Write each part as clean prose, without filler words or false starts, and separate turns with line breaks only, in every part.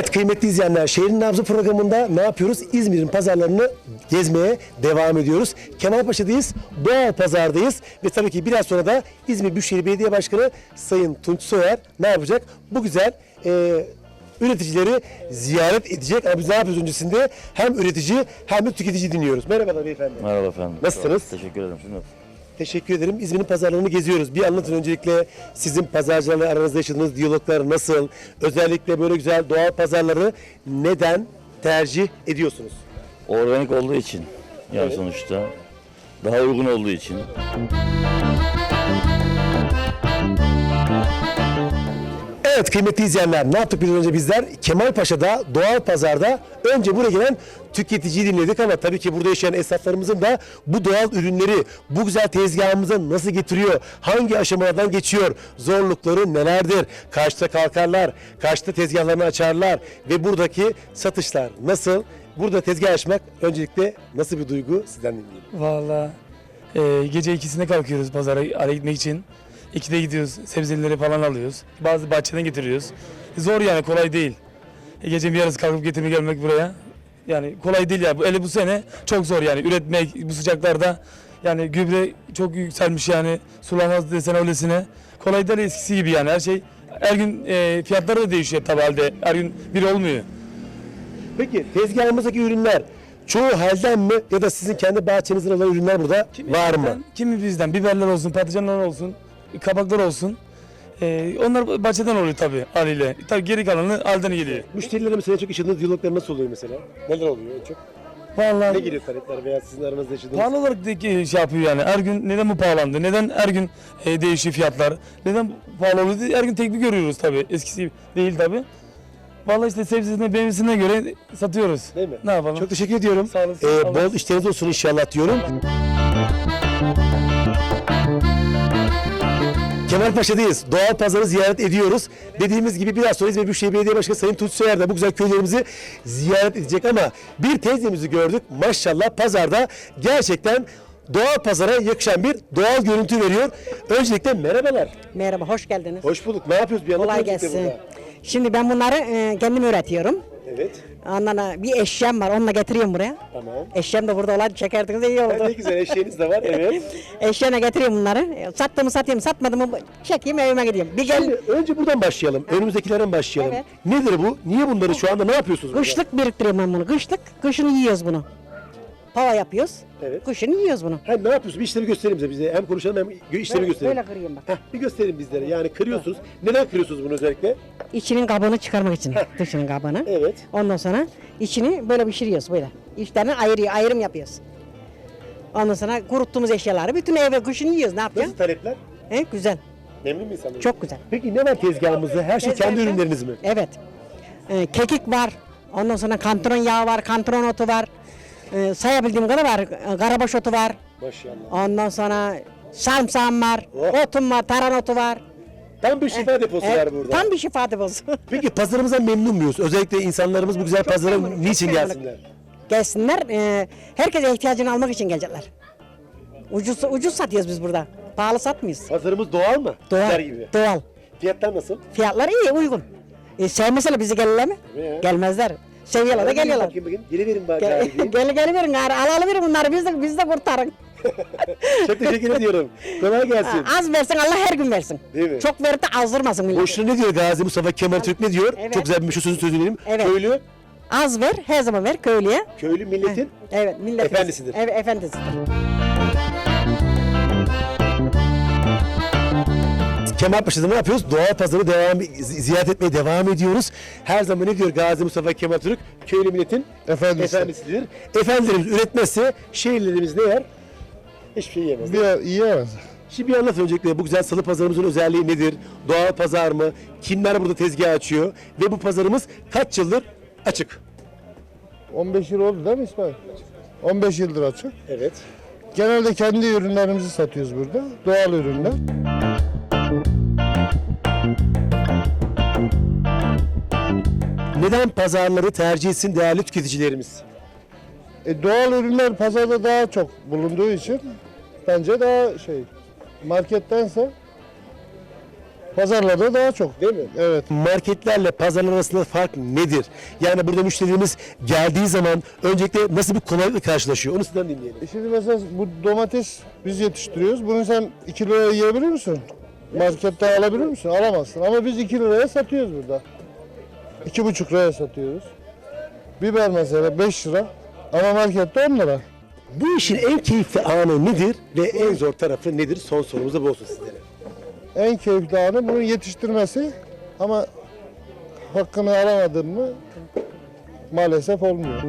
Evet kıymetli izleyenler, Şehrin Nabzı programında ne yapıyoruz? İzmir'in pazarlarını gezmeye devam ediyoruz. Kemalpaşa'dayız, Doğal Pazar'dayız ve tabii ki biraz sonra da İzmir Büyükşehir Belediye Başkanı Sayın Tunç Soyer ne yapacak? Bu güzel üreticileri ziyaret edecek. Ama biz ne yapıyoruz öncesinde? Hem üretici hem de tüketici dinliyoruz. Merhabalar beyefendi.
Merhaba efendim.
Nasılsınız?
Teşekkür ederim. Siz nasılsınız?
Teşekkür ederim. İzmir'in pazarlarını geziyoruz. Bir anlatın öncelikle sizin pazarcılarla aranızda yaşadığınız diyaloglar nasıl? Özellikle böyle güzel doğal pazarları neden tercih ediyorsunuz?
Organik olduğu için yani
Evet.
sonuçta daha uygun olduğu için.
Evet kıymetli izleyenler, ne yaptık biraz önce bizler? Kemalpaşa'da doğal pazarda önce buraya gelen tüketiciyi dinledik ama tabii ki burada yaşayan esnaflarımızın da bu doğal ürünleri bu güzel tezgahımıza nasıl getiriyor? Hangi aşamalardan geçiyor? Zorlukları nelerdir? Kaçta kalkarlar? Kaçta tezgahlarını açarlar? Ve buradaki satışlar nasıl? Burada tezgah açmak öncelikle nasıl bir duygu? Sizden dinleyelim.
Vallahi gece ikisinde kalkıyoruz pazara araya gitmek için. 2'de gidiyoruz, sebzeleri falan alıyoruz. Bazı bahçeden getiriyoruz. Zor yani, kolay değil. Gece bir yarısı kalkıp getirmek gelmek buraya. Yani kolay değil ya. Bu sene çok zor yani üretmek bu sıcaklarda. Yani gübre çok yükselmiş yani. Sulamaz desen öylesine. Kolay değil eskisi gibi yani her şey. Her gün fiyatları da değişiyor tabii halde. Her gün bir olmuyor.
Peki tezgahımızdaki ürünler çoğu halden mi ya da sizin kendi bahçenizden olan ürünler burada var mı?
Kimi bizden, biberler olsun, patlıcanlar olsun, kabaklar olsun. Onlar bahçeden oluyor tabii haliyle. Tabii geri kalanı halden geliyor.
Müşterilerle mesela çok yaşadığınız diyaloglar nasıl oluyor mesela? Neler oluyor en çok? Ne
Vallahi
geliyor talepler veya sizin aranızda yaşadığınız?
pahalı olarak da şey yapıyor yani. Her gün neden bu pahalandı? Neden her gün değişiyor fiyatlar? Neden pahalı oluyor? Her gün tek bir görüyoruz tabii. Eskisi değil tabii. Vallahi işte sebzesine, meyvesine göre satıyoruz.
Değil mi?
Ne yapalım?
Çok teşekkür ediyorum.
Sağ olasın. Allah
Bol işleriniz olsun inşallah diyorum. Kemalpaşa'dayız. Doğal pazarı ziyaret ediyoruz. Dediğimiz gibi biraz sonra İzmir Büyükşehir Belediye Başkanı Sayın Tunç Soyer de bu güzel köylerimizi ziyaret edecek ama bir teyzemizi gördük. Maşallah pazarda gerçekten doğal pazara yakışan bir doğal görüntü veriyor. Öncelikle merhabalar.
Merhaba, hoş geldiniz.
Hoş bulduk. Ne yapıyoruz? Bir
Kolay
anlatın öncelikle
gelsin.
burada.
Şimdi ben bunları kendim üretiyorum.
Evet.
Ondan sonra bir eşyam var, onunla getiriyorum buraya.
Tamam.
Eşyam da burada olaydı, çekerdiniz iyi
Ne
oldu.
güzel eşeğiniz de var. Evet.
Eşyana getiriyorum bunları. Sattığımı satayım, satmadığımı çekeyim, evime gideyim. Bir gel,
Şimdi önce buradan başlayalım. Önümüzdekilerden başlayalım.
Evet.
Nedir bu? Niye bunları şu anda ne yapıyorsunuz burada?
kışlık biriktiriyorum ben bunu. Kışın yiyoruz bunu. Pava yapıyoruz.
Evet.
Kışın yiyoruz bunu.
Ha, ne yapıyorsunuz? Bir işlemi göstereyim bize. Hem konuşalım hem işlemi gösterelim.
Böyle kırıyorum bak.
Heh, bir gösterin bizlere. Yani kırıyorsunuz. Neden kırıyorsunuz bunu özellikle?
İçinin kabını çıkarmak için. Dışının kabını.
Evet.
Ondan sonra içini böyle pişiriyoruz böyle. İçlerini ayrım yapıyoruz. Ondan sonra kuruttuğumuz eşyaları bütün eve kışın yiyoruz. Ne yapıyoruz?
Nasıl talepler?
Güzel.
Memnun mu insanlar?
Çok güzel.
Peki ne var tezgahımızda? Her şey kendi
Tezgahta-
ürünleriniz mi?
Evet. Kekik var. Ondan sonra kantron yağı var, kantron otu var. Sayabildiğim kadar var. Karabaş otu var.
Maşallah.
Ondan sonra sarımsağım var.
Oh.
Otum var, taran otu var.
Tam bir şifa deposu var burada.
Tam bir şifa deposu.
Peki pazarımızdan memnun muyuz? Özellikle insanlarımız bu güzel pazara
memnunum,
niçin
çok memnunum.
gelsinler?
Gelsinler. Herkese ihtiyacını almak için gelecekler. Ucuz satıyoruz biz burada. Pahalı satmıyoruz.
Pazarımız doğal mı?
Doğal.
Sizler gibi.
Doğal.
Fiyatlar nasıl?
Fiyatları iyi, uygun. Sevmeseler bizi gelirler mi?
Tabii ya.
Gelmezler. Seviyorlar da geliyorlar.
Bakayım. Geliverin bari.
Gel verin gari, alalım bunları biz de kurtarın.
Çok teşekkür ediyorum. Kolay gelsin.
Az versin Allah her gün versin.
Değil mi?
Çok verip de azdırmasın milleti.
Boşuna ne diyor Gazi Mustafa Kemal Türk ne diyor?
Evet.
Çok güzel bir sözünü söyleyelim.
Evet.
Köylü,
Az ver, her zaman ver köylüye.
köylü milletin
Evet, millet
Efendisidir.
Evet, efendisidir.
Kemalpaşa'da ne yapıyoruz? Doğal pazarı ziyaret etmeye devam ediyoruz. Her zaman ne diyor Gazi Mustafa Kemal Türk? Köylü milletin efendisidir. Efendilerimiz üretmezse şehirlerimiz ne yer? Hiçbir şey yemez.
Yiyemez.
Şimdi bir anlat öncelikle bu güzel salı pazarımızın özelliği nedir? Doğal pazar mı? Kimler burada tezgah açıyor? Ve bu pazarımız kaç yıldır açık?
15 yıl oldu değil mi İsmail? 15 yıldır açık.
Evet.
Genelde kendi ürünlerimizi satıyoruz burada. Doğal ürünler.
Neden pazarları tercih etsin değerli tüketicilerimiz?
Doğal ürünler pazarda daha çok bulunduğu için bence daha markettense Pazarlarda daha çok.
Değil mi?
Evet.
Marketlerle pazarlar arasında fark nedir? Yani burada müşterimiz geldiği zaman öncelikle nasıl bir kolaylıkla karşılaşıyor? Onu sizden dinleyelim.
Şimdi mesela bu domates biz yetiştiriyoruz. Bunu sen 2 liraya yiyebilir misin? Markette alabilir misin? Alamazsın. Ama biz 2 liraya satıyoruz burada. 2,5 liraya satıyoruz. Biber mesela 5 lira ama markette 10 lira.
Bu işin en keyifli anı nedir ve en zor tarafı nedir? Son sorumuz da bu olsun sizlere.
En keyifli anı bunu yetiştirmesi ama hakkını alamadın mı maalesef olmuyor.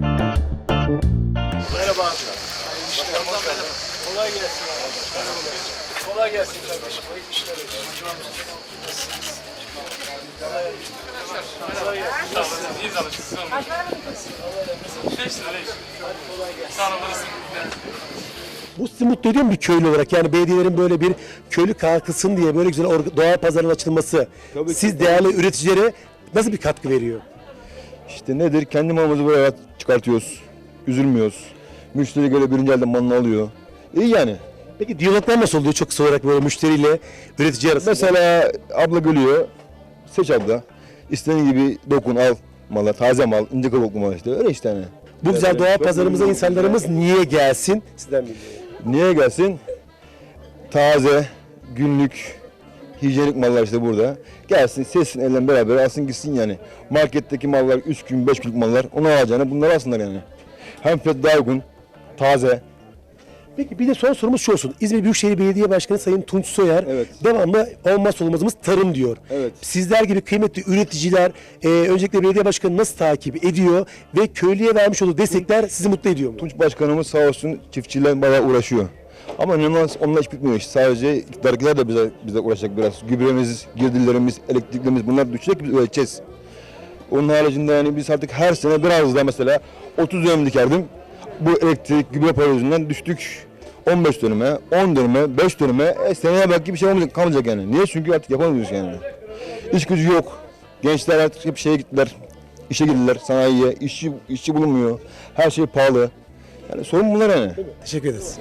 Bu sizi mutlu ediyor mu bir köylü olarak? Yani belediyelerin böyle bir köylü kalkılsın diye böyle güzel doğal pazarın açılması siz değerli üreticilere nasıl bir katkı veriyor?
İşte nedir? Kendi malımızı buraya çıkartıyoruz. Üzülmüyoruz. Müşteri göre birinci elden malını alıyor. İyi yani.
Peki diyaloglar nasıl oluyor çok kısa olarak böyle müşteriyle üretici arasında?
Mesela abla gülüyor. Seç abla. İstediğin gibi dokun al malı. Taze mal, ince kabuklu mal işte. Öyle işte hani.
Bu güzel
Evet,
doğal
çok
pazarımıza
memnunum.
insanlarımız niye gelsin? Sizden bilmiyorum.
Niye gelsin? Taze, günlük, hijyenik mallar işte burada. Gelsin, seçsin elden beraber alsın gitsin yani. Marketteki mallar 3 gün, 5 günlük mallar. Onu alacağına bunları alsınlar yani. Hem fiyat daha uygun, taze.
Peki bir de son sorumuz şu olsun. İzmir Büyükşehir Belediye Başkanı Sayın Tunç Soyer
Evet.
devamlı olmazsa olmazımız tarım diyor.
Evet.
Sizler gibi kıymetli üreticiler öncelikle belediye başkanı nasıl takip ediyor ve köylüye vermiş olduğu destekler sizi mutlu ediyor mu?
Tunç Başkanımız sağ olsun çiftçilerle bayağı uğraşıyor. Ama inanılmaz onunla iş bitmiyor iş. Sadece iktidardakiler de bize uğraşacak biraz. Gübremiz, girdilerimiz, elektriklerimiz bunlar düşecek biz üreteceğiz. Onun haricinde yani biz artık her sene biraz daha mesela 30 dönüm dikerdim. Bu elektrik, gübre para yüzünden düştük 15 dönüme, 10 dönüme, 5 dönüme. Seneye belki bir şey olmayacak, kalmayacak yani. Niye? Çünkü artık yapamıyoruz yani. İş gücü yok. Gençler artık hep şeye gittiler. İşe girdiler sanayiye. İşçi bulunmuyor. Her şey pahalı. Yani sorun bunlar yani.
Teşekkür ederiz.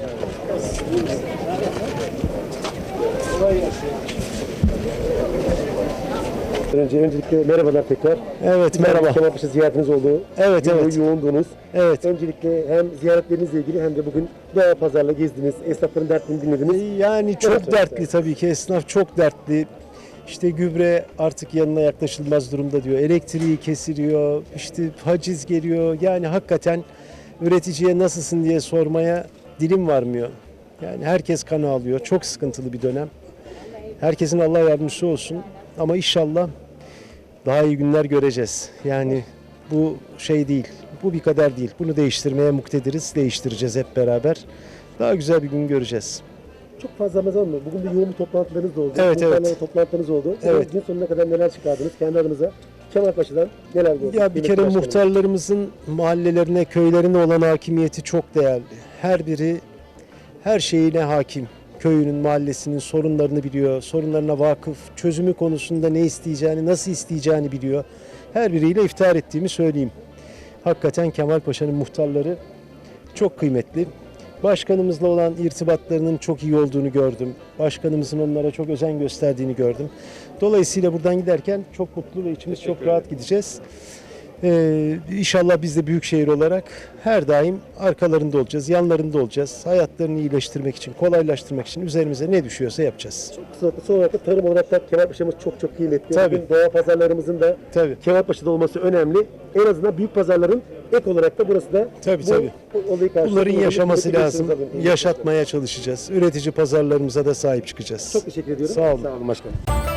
Öncelikle merhabalar tekrar.
Evet, merhaba.
Kemalpaşa ziyaretiniz oldu.
Evet,
Gün boyu
evet.
yoğundunuz.
Evet.
Öncelikle hem ziyaretlerinizle ilgili hem de bugün doğal pazarla gezdiniz. Esnafların dertlerini dinlediniz.
Yani çok
Evet,
dertli tabii ki. Esnaf çok dertli. İşte gübre artık yanına yaklaşılmaz durumda diyor. Elektriği kesiliyor. İşte haciz geliyor. Yani hakikaten üreticiye nasılsın diye sormaya dilim varmıyor. Yani herkes kan ağlıyor. Çok sıkıntılı bir dönem. Herkesin Allah yardımcısı olsun. Ama inşallah daha iyi günler göreceğiz. Yani bu şey değil. Bu bir kader değil. Bunu değiştirmeye muktediriz. Değiştireceğiz hep beraber. Daha güzel bir gün göreceğiz.
Çok fazla zaman mı? Bugün de yoğun bir toplantılarınız da oldu.
Evet,
Muhtarlarla
evet.
toplantılarınız oldu.
Evet.
Gün sonuna kadar neler çıkardınız kendi adınıza? Kemalpaşa'dan neler gördünüz?
Ya bir kere
Kıymetli başkanım.
muhtarlarımızın mahallelerine, köylerine olan hakimiyeti çok değerli. Her biri her şeyine hakim. Köyünün, mahallesinin sorunlarını biliyor, sorunlarına vakıf, çözümü konusunda ne isteyeceğini, nasıl isteyeceğini biliyor. Her biriyle iftihar ettiğimi söyleyeyim. Hakikaten Kemalpaşa'nın muhtarları çok kıymetli. Başkanımızla olan irtibatlarının çok iyi olduğunu gördüm. Başkanımızın onlara çok özen gösterdiğini gördüm. Dolayısıyla buradan giderken çok mutlu ve içimiz çok rahat gideceğiz. İnşallah biz de büyükşehir olarak her daim arkalarında olacağız, yanlarında olacağız. Hayatlarını iyileştirmek için, kolaylaştırmak için üzerimize ne düşüyorsa yapacağız.
Son olarak da tarım olarak da Kemalpaşa'mız çok kıymetli.
Tabii.
Bugün doğal pazarlarımızın da
Tabii.
Kemalpaşa'da olması önemli. En azından büyük pazarların ek olarak da burası da
Tabii,
bu
tabii.
olayı karşılıyor.
Bunların yaşaması
Kıymetli
lazım.
görüşlerinizi alayım.
Yaşatmaya çalışacağız. Üretici pazarlarımıza da sahip çıkacağız.
Çok teşekkür ediyorum.
Sağ olun.
Sağ olun başkanım.